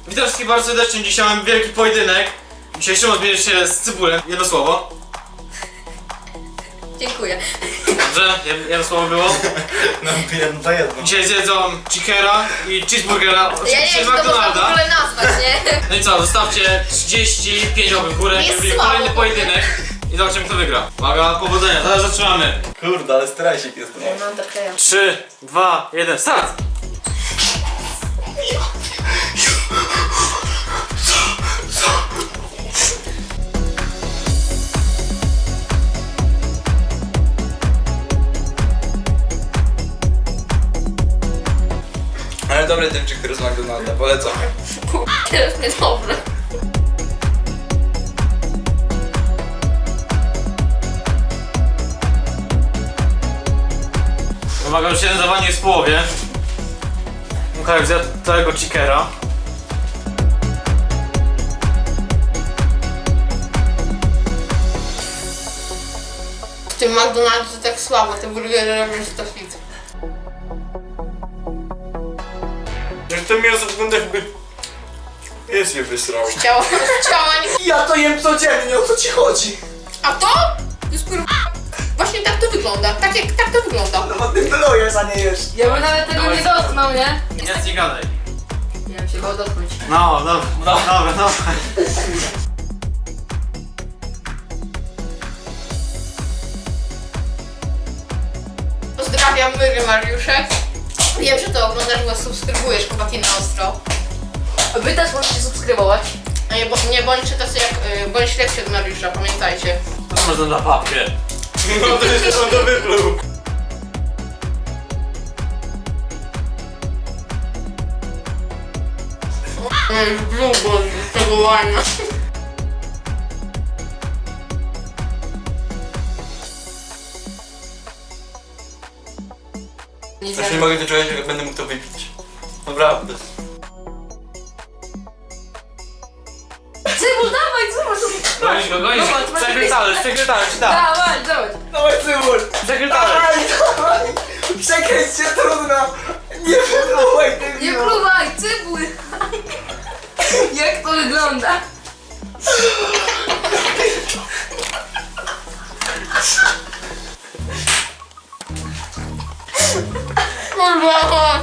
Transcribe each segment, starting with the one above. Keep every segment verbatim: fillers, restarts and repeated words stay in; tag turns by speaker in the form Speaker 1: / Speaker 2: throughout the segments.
Speaker 1: Witam wszystkich bardzo serdecznie, dzisiaj mamy wielki pojedynek. Dzisiaj Szymon zmierzy się z Cybulem, jedno słowo.
Speaker 2: Dziękuję.
Speaker 1: Dobrze, jedno słowo było.
Speaker 3: No jedno to jedno.
Speaker 1: Dzisiaj zjedzą Chickera i Cheeseburgera,
Speaker 2: Ja nie
Speaker 1: oczywiście
Speaker 2: wiem,
Speaker 1: z
Speaker 2: czy to można w
Speaker 1: McDonalda.
Speaker 2: ogóle nazwać, nie?
Speaker 1: No i co, zostawcie trzydzieści pięć łapek w górę,
Speaker 2: Jest
Speaker 1: żeby
Speaker 2: słabo,
Speaker 1: kolejny
Speaker 2: bo-
Speaker 1: pojedynek. I zobaczymy kto wygra. Uwaga, powodzenia, zaraz zaczynamy.
Speaker 3: Kurde, ale strajsik jest to.
Speaker 2: No to kleję.
Speaker 1: trzy, dwa, jeden, start!
Speaker 3: Ale dobry ten chicken z McDonalda, polecam.
Speaker 2: Teraz niedobre.
Speaker 1: Uwaga, już jeden zawanie jest w połowie. Łukasz zjadł całego Chickera.
Speaker 2: W tym McDonaldzie to tak słabo, te burgery robią się to fit.
Speaker 3: Jak to miasto wygląda jakby... Jest je wysrał.
Speaker 2: Ciało, ciała nie...
Speaker 3: Ja to jem codziennie, o co ci chodzi?
Speaker 2: A to? Jest kurwa... Właśnie tak to wygląda, tak jak tak to wygląda.
Speaker 3: No bo ty plujesz, a nie jesz.
Speaker 4: Ja bym nawet tego nie dotknął, nie?
Speaker 1: Nic nie gadaj.
Speaker 4: Ja bym się go dotknąć.
Speaker 1: No, dobra, no, dobra, dobra.
Speaker 2: Pozdrawiam Myry Mariuszek. Wiem, że to oglądasz, bo subskrybujesz chłopaki na ostro.
Speaker 4: Wy też możecie subskrybować.
Speaker 2: A nie, bo, nie bądźcie tacy jak... Y, bądź lepsi od Mariusza, pamiętajcie.
Speaker 1: To można na papkę.
Speaker 3: No to jeszcze on to wypluł.
Speaker 2: Mam długo z tego łania.
Speaker 4: Nie
Speaker 3: Aż nie mogę doczekać, jak będę mógł to wypić. Naprawdę.
Speaker 4: Cybul, dawaj, zobacz!
Speaker 1: Gonisz go, gonisz
Speaker 4: Zobacz,
Speaker 1: go.
Speaker 4: masz
Speaker 1: Przekryj talerz, przekryj talerz, tak.
Speaker 4: Dawaj, dawaj!
Speaker 3: Dawaj cybul!
Speaker 1: Przekryj talerz.
Speaker 3: dawaj! Przekręć się, trudno! Nie wypluwaj ty
Speaker 4: Nie pluwaj, cybul! Jak to wygląda?
Speaker 2: Kurwa!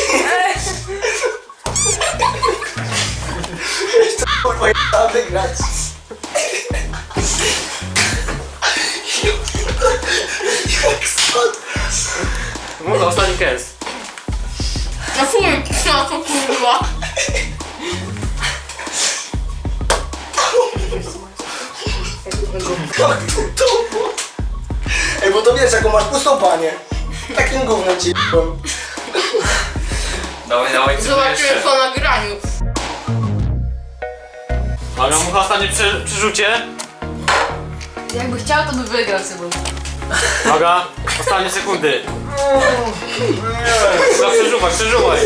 Speaker 3: Kurwa, ja wygrać. Jak spadł.
Speaker 1: Mów ostatni kęs.
Speaker 2: No fuj, no to kurwa.
Speaker 3: Jak to to? Ej, bo to wiesz, jaką masz pustą panię. Takim gównem ci j***łem.
Speaker 1: Dawaj, dawaj, cybul
Speaker 2: Zobaczymy
Speaker 1: jeszcze.
Speaker 2: po nagraniu.
Speaker 1: Uwaga, mucha ostatnie przy, przerzucie.
Speaker 4: Jakby chciał, to by wygrał cybul.
Speaker 1: Uwaga, ostatnie sekundy. No przeżuwaj, przeżuwaj.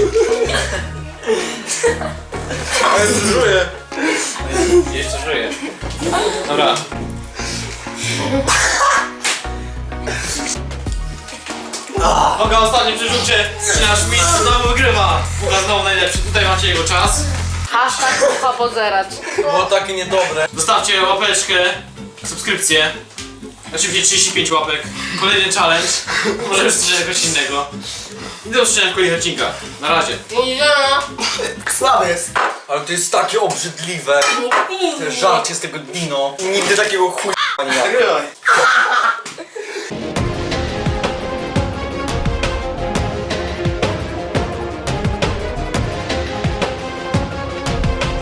Speaker 3: Ale żyję.
Speaker 1: Jeszcze żyje. Dobra. Uwaga, ostatnie przerzucie. I nasz mistrz znowu wygrywa. Uwaga, znowu najlepszy. Tutaj macie jego czas.
Speaker 4: Hashtag ufa pozerać.
Speaker 3: Było takie niedobre.
Speaker 1: Zostawcie łapeczkę, subskrypcję. Oczywiście trzydzieści pięć łapek. Kolejny challenge. Może już coś jakoś innego. I do zobaczenia w kolejnych odcinkach. Na razie.
Speaker 2: Idziemy.
Speaker 3: Słabe jest. Ale to jest takie obrzydliwe. Te żarcie z tego dino. Nigdy takiego chuja nie jadłem.